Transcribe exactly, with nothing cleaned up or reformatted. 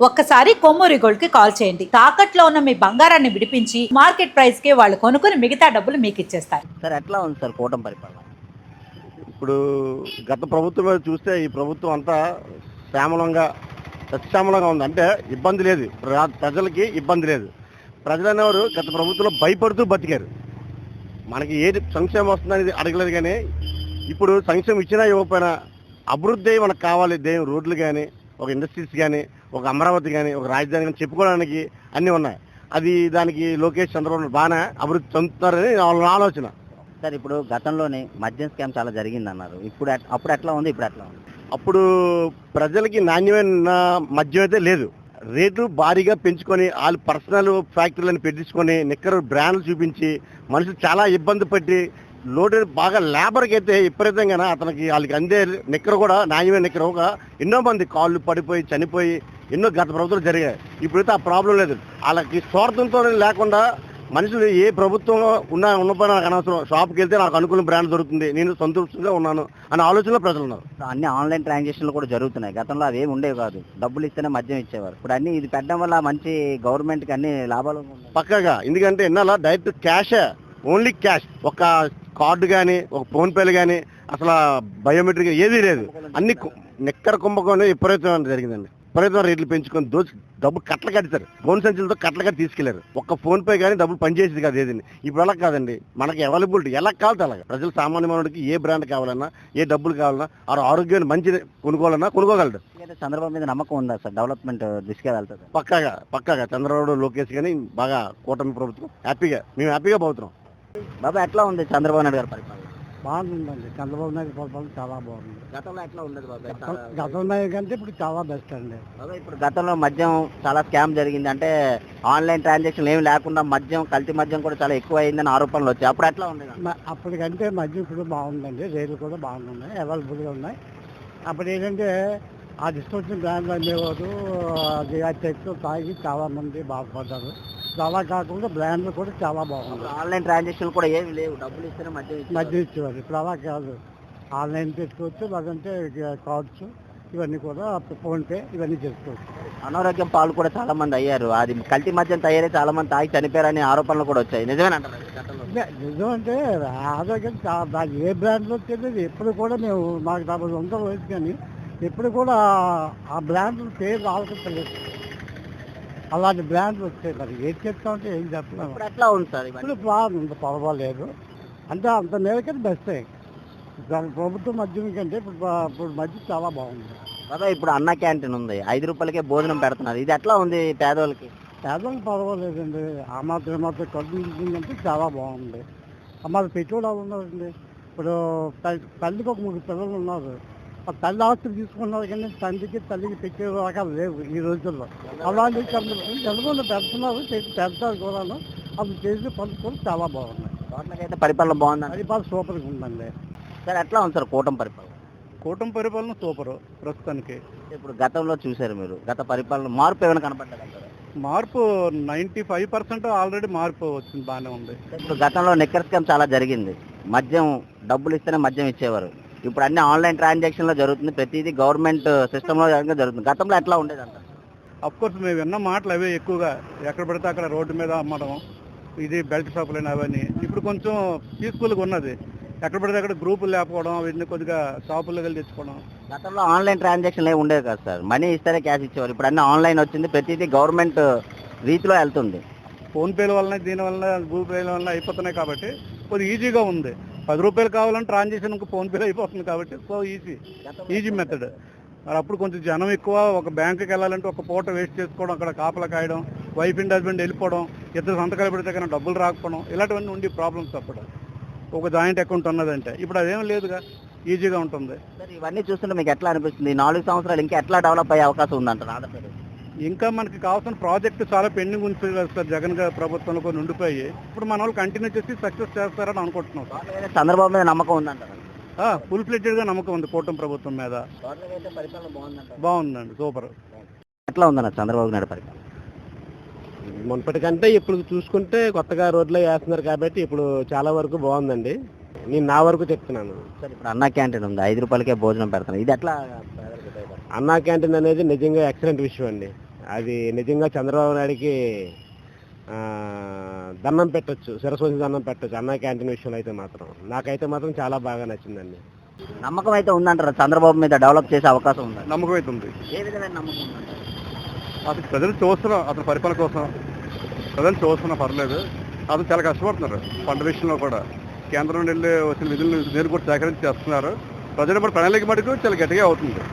ఒక్కసారి కొమ్మూరి గోల్డ్ కి కాల్ చేయండి. తాకట్లో ఉన్న మీ బంగారాన్ని విడిపించి మార్కెట్ ప్రైస్ కి వాళ్ళు కొనుక్కుని మిగతా డబ్బులు మీకు ఇచ్చేస్తారు. సార్ ఎట్లా ఉంది సార్ కూటమి పరిపాలన? ఇప్పుడు గత ప్రభుత్వం మీద చూస్తే ఈ ప్రభుత్వం అంతా శ్యామలంగా సత్యామలంగా ఉంది. అంటే ఇబ్బంది లేదు, ప్ర- ప్రజలకి ఇబ్బంది లేదు. ప్రజలు అనేవారు గత ప్రభుత్వంలో భయపడుతూ బతికారు. మనకి ఏది సంక్షేమం వస్తుందనేది అడగలేదు. కానీ ఇప్పుడు సంక్షేమం ఇచ్చినా ఇవ్వకపోయినా అభివృద్ధి మనకు కావాలి. దేని రోడ్లు కానీ, ఒక ఇండస్ట్రీస్ కానీ, ఒక అమరావతి కానీ, ఒక రాజధాని కానీ చెప్పుకోవడానికి అన్నీ ఉన్నాయి. అది దానికి లోకేష్ చంద్రబాబు బాగానే అభివృద్ధి చెందుతున్నారని వాళ్ళ ఆలోచన. సార్ ఇప్పుడు గతంలోనే మద్యం స్కామ్ చాలా జరిగింది అన్నారు. ఇప్పుడు ఎట్- అప్పుడు ఎట్లా ఉంది, ఇప్పుడు ఎట్లా ఉంది? అప్పుడు ప్రజలకి నాణ్యమైన మద్యం అయితే లేదు. రేట్లు భారీగా పెంచుకొని వాళ్ళు పర్సనల్ ఫ్యాక్టరీలను పెట్టించుకొని నిక్కరు బ్రాండ్లు చూపించి మనుషులు చాలా ఇబ్బంది పట్టి లోటు బాగా లేబర్కి అయితే విపరీతంగా అతనికి వాళ్ళకి అందే నిక్కర కూడా నాణ్యమైన నిక్కర ఒక ఎన్నో మంది కాళ్ళు పడిపోయి చనిపోయి ఎన్నో గత ప్రభుత్వాలు జరిగాయి. ఇప్పుడైతే ఆ ప్రాబ్లం లేదు. వాళ్ళకి స్వార్థంతో లేకుండా మనుషులు ఏ ప్రభుత్వం ఉన్నా ఉన్నపై నాకు అనవసరం, షాప్కి వెళ్తే నాకు అనుకూల బ్రాండ్ దొరుకుతుంది, నేను సంతృప్తిగా ఉన్నాను అనే ఆలోచనలో ప్రజలు ఉన్నారు. అన్ని ఆన్లైన్ ట్రాన్సాక్షన్లు కూడా జరుగుతున్నాయి. గతంలో అవి ఏమి ఉండేవి కాదు, డబ్బులు ఇస్తేనే మద్యం ఇచ్చేవారు. ఇప్పుడు అన్ని ఇది పెట్టడం వల్ల మంచి గవర్నమెంట్కి అన్ని లాభాలు ఉన్నాయి. పక్కగా ఎందుకంటే ఎన్నాళ్ళ డైరెక్ట్ క్యాషే, ఓన్లీ క్యాష్. ఒక కార్డు కానీ, ఒక ఫోన్పేలు కానీ, అసలు బయోమెట్రిక్ ఏదీ లేదు. అన్ని కు- నిక్కర కుంభకోణం విపరీతం జరిగిందండి. విపరీతం రేట్లు పెంచుకొని దోచి డబ్బులు కట్టలు కట్టారు. ఫోన్ సంచులతో కట్టలు కట్టి తీసుకెళ్లారు. ఒక్క ఫోన్ పే కానీ డబ్బులు పనిచేసేది కాదు ఏదండి. ఇప్పుడు అలా కాదండి, మనకి అవైలబిలిటీ ఎలా కావాలి అలాగా. ప్రజలు సామాన్య మానవుడికి ఏ బ్రాండ్ కావాలన్నా, ఏ డబ్బులు కావాలన్నా, ఆ ఆరోగ్యాన్ని మంచి కొనుక్కోవాలన్నా కొనుక్కోగలడు. అయితే చంద్రబాబు మీద నమ్మకం ఉందా సార్? డెవలప్మెంట్ దిశగా వెళ్తుంది. పక్కాగా పక్కాగా చంద్రబాబు లోకేష్ కానీ బాగా కూటమి ప్రభుత్వం హ్యాపీగా, మేము హ్యాపీగా పోతున్నాం. బాబా ఎట్లా ఉంది చంద్రబాబు నాయుడు గారి పరిపాలన? బాగుందండి. చంద్రబాబు నాయుడు పరిపాలన చాలా బాగుంది. గతంలో ఎట్లా ఉండదు బాబా? గతంలో కంటే ఇప్పుడు చాలా బెస్ట్ అండి. బాబా ఇప్పుడు గతంలో మద్యం చాలా స్కామ్ జరిగింది, అంటే ఆన్లైన్ ట్రాన్సాక్షన్ ఏమి లేకుండా మద్యం, కల్తీ మద్యం కూడా చాలా ఎక్కువ అయిందని ఆరోపణలు వచ్చాయి. అప్పుడు ఎట్లా ఉండేది? మ- అప్పటికంటే మధ్య ఇప్పుడు బాగుందండి. రేట్లు కూడా బాగున్నాయి, అవైలబుల్గా ఉన్నాయి. అప్పుడు ఏంటంటే ఆ డిస్కౌంట్ బ్రాండ్లు అమ్మేవారు, అది ఆ చెక్స్ తాగి చాలా మంది బాధపడ్డారు. అలా కాకుండా బ్రాండ్లు కూడా చాలా బాగున్నాయి. ఆన్లైన్ ట్రాన్సాక్షన్ కూడా ఏమి లేవు, డబ్బులు ఇస్తేనే మద్యం ఇచ్చేవారు. మధ్య ఇచ్చేవారు. ఇప్పుడు అలా కాదు, ఆన్లైన్ పెట్టుకోవచ్చు, లేదంటే కార్డ్స్ ఇవన్నీ కూడా ఫోన్పే ఇవన్నీ చేసుకోవచ్చు. అనారోగ్యం పాలు కూడా చాలా మంది అయ్యారు. అది కల్తీ మద్యం తయారై చాలా మంది తాగి చనిపోయారని ఆరోపణలు కూడా వచ్చాయి. నిజమేనంటారు గతంలో? ని- నిజం అంటే ఆరోగ్యం చా- దాని ఏ బ్రాండ్లో తెలియదు. ఎప్పుడు కూడా మేము మాకు డెబ్బై వందల వయసు కానీ ఎప్పుడు కూడా ఆ బ్రాండ్ పేరు ఆలోచించలేదు. అలాంటి బ్రాండ్లు వచ్చాయి. మరి ఏం చెప్తామంటే ఏం చెప్పలేము. ఇప్పుడు ఎట్లా ఉంది సార్ ఇవన్నీ? ఇప్పుడు బాగుంది, పర్వాలేదు. అంటే అంత మేరకైతే బెస్టే. దాని ప్రభుత్వం మద్యం కంటే ఇప్పుడు బా- ఇప్పుడు మధ్య చాలా బాగుంది. బాబా ఇప్పుడు అన్న క్యాంటీన్ ఉంది, ఐదు రూపాయలకే భోజనం పెడుతున్నారు. ఇది ఎట్లా ఉంది పేదోళ్ళకి? పేదలకు పర్వాలేదండి. ఆ మాత్రం మాత్రం ఖర్చు ఉంటుందంటే చాలా బాగుంది. మాది పెట్టుబడి వాళ్ళు ఉన్నారండి. ఇప్పుడు తల్లి- తల్లికి ఒక ముగ్గురు పిల్లలు ఉన్నారు. ఆ తల్లి ఆస్తులు తీసుకున్నారు కానీ తండ్రికి తల్లికి పెట్టే రకాలు లేవు ఈ రోజుల్లో. అలాంటి చదువులు పెడుతున్నారు, చేసి పెడతారు కూడా. అవి చేసి పనులు చాలా బాగున్నాయి. తోటలకైతే పరిపాలన బాగుందండి. పరిపాలన సూపర్గా ఉందండి. సార్ ఎట్లా ఉంది సార్ కూటమి పరిపాలన? కూటమి పరిపాలన సూపరు ప్రస్తుతానికి. ఇప్పుడు గతంలో చూశారు మీరు, గత పరిపాలన మార్పు ఏమైనా కనపడ్డదంటారు? మార్పు నైంటీ ఫైవ్ పర్సెంట్ ఆల్రెడీ మార్పు వచ్చింది, బాగానే ఉంది. ఇప్పుడు గతంలో నిక్కర్ స్కామ్ చాలా జరిగింది. మద్యం డబ్బులు ఇస్తేనే మద్యం ఇచ్చేవారు. ఇప్పుడు అన్ని ఆన్లైన్ ట్రాన్సాక్షన్ లో జరుగుతుంది, ప్రతిదీ గవర్నమెంట్ సిస్టమ్ లో జరుగుతుంది. గతంలో ఎట్లా ఉండేది అంటారు? అఫ్ కోర్స్ మేము విన్న మాటలు అవే ఎక్కువగా, ఎక్కడ పడితే అక్కడ రోడ్డు మీద అమ్మడం, ఇది బెల్ట్ షాపులు అవన్నీ. ఇప్పుడు కొంచెం పీస్ఫుల్గా ఉన్నది. ఎక్కడ పడితే అక్కడ గ్రూపులు లేకపోవడం, వీటిని కొద్దిగా షాపుల్లో వెళ్ళి తెచ్చుకోవడం. గతంలో ఆన్లైన్ ట్రాన్సాక్షన్ ఏమి ఉండేది కదా సార్, మనీ ఇస్తేనే క్యాష్ ఇచ్చేవారు. ఇప్పుడు అన్ని ఆన్లైన్ వచ్చింది, ప్రతిదీ గవర్నమెంట్ రీతిలో వెళ్తుంది. ఫోన్పేల వలన, దీని వలన, గూగుల్ పేల వలన అయిపోతున్నాయి కాబట్టి కొద్దిగా ఈజీగా ఉంది. పది రూపాయలు కావాలంటే ట్రాన్సాక్షన్ ఫోన్పేలో అయిపోతుంది కాబట్టి సో ఈజీ ఈజీ మెథడ్. మరి అప్పుడు కొంచెం జనం ఎక్కువ, ఒక బ్యాంకుకి వెళ్ళాలంటే ఒక పూట వేస్ట్ చేసుకోవడం, అక్కడ కాపలా కాయడం, వైఫ్ అండ్ హస్బెండ్ వెళ్ళిపోవడం, ఇద్దరు సంతకాలు పెడితే కానీ డబ్బులు రాకపోవడం, ఇలాంటివన్నీ ఉండి ప్రాబ్లమ్స్. అప్పుడు ఒక జాయింట్ అకౌంట్ ఉన్నదంటే ఇప్పుడు అదేం లేదుగా, ఈజీగా ఉంటుంది. సార్ ఇవన్నీ చూస్తుంటే మీకు ఎట్లా అనిపిస్తుంది? ఈ నాలుగు సంవత్సరాలు ఇంకా ఎట్లా డెవలప్ అయ్యే అవకాశం ఉందంటారు ఆంధ్రప్రదేశ్? ఇంకా మనకి కావాల్సిన ప్రాజెక్ట్ చాలా పెండింగ్ ఉంది సార్. జగన్ గారి ప్రభుత్వంలో కొన్ని ఉండిపోయి ఇప్పుడు మన వాళ్ళు కంటిన్యూ చేసి సక్సెస్ చేస్తారని అనుకుంటున్నాం సార్. గవర్నమెంట్ మీద చంద్రబాబు మీద నమ్మకం ఉందంటారు? ఫుల్ ఫ్లెడ్జెడ్గా నమ్మకం ఉంది కూటమి ప్రభుత్వం మీద. గవర్నమెంట్ అయితే పరిపాలన బాగుందంటారు? బాగుందండి, సూపర్. ఎట్లా ఉందన్న చంద్రబాబు నాయుడు పరిపాలన? మునుపటికంటే ఇప్పుడు చూసుకుంటే కొత్తగా రోడ్లో వేస్తున్నారు కాబట్టి ఇప్పుడు చాలా వరకు బాగుందండి. నేను నా వరకు చెప్తున్నాను. సార్ ఇప్పుడు అన్న క్యాంటీన్ ఉంది, ఐదు రూపాయలకే భోజనం పెడతాను, ఇది ఎట్లా? అన్నా క్యాంటీన్ అనేది నిజంగా ఎక్సలెంట్ విషయం అండి. అది నిజంగా చంద్రబాబు నాయుడికి ఆ, దండం పెట్టొచ్చు, శిరస్సు వంచి దండం పెట్టొచ్చు అన్న క్యాంటీన్ విషయంలో అయితే మాత్రం. నాకైతే మాత్రం చాలా బాగా నచ్చిందండి. నమ్మకం అయితే ఉందంటారా చంద్రబాబు మీద డెవలప్ చేసే అవకాశం ఉందా? నమ్మకం అయితే ఉంది. ఏ విధమైన నమ్మకం ఉందంటారు? అతను ప్రజలు చూస్తున్నాం, అతని పరిపాలన కోసం ప్రజలు చూస్తున్నా పర్లేదు. అతను చాలా కష్టపడుతున్నారు పంట విషయంలో కూడా. కేంద్రం నుండి వెళ్ళి వచ్చిన నిధులను నేను కూడా సేకరించి చేస్తున్నారు. ప్రజలు కూడా ప్రణాళిక మటుకు చాలా గట్టిగా అవుతుంది.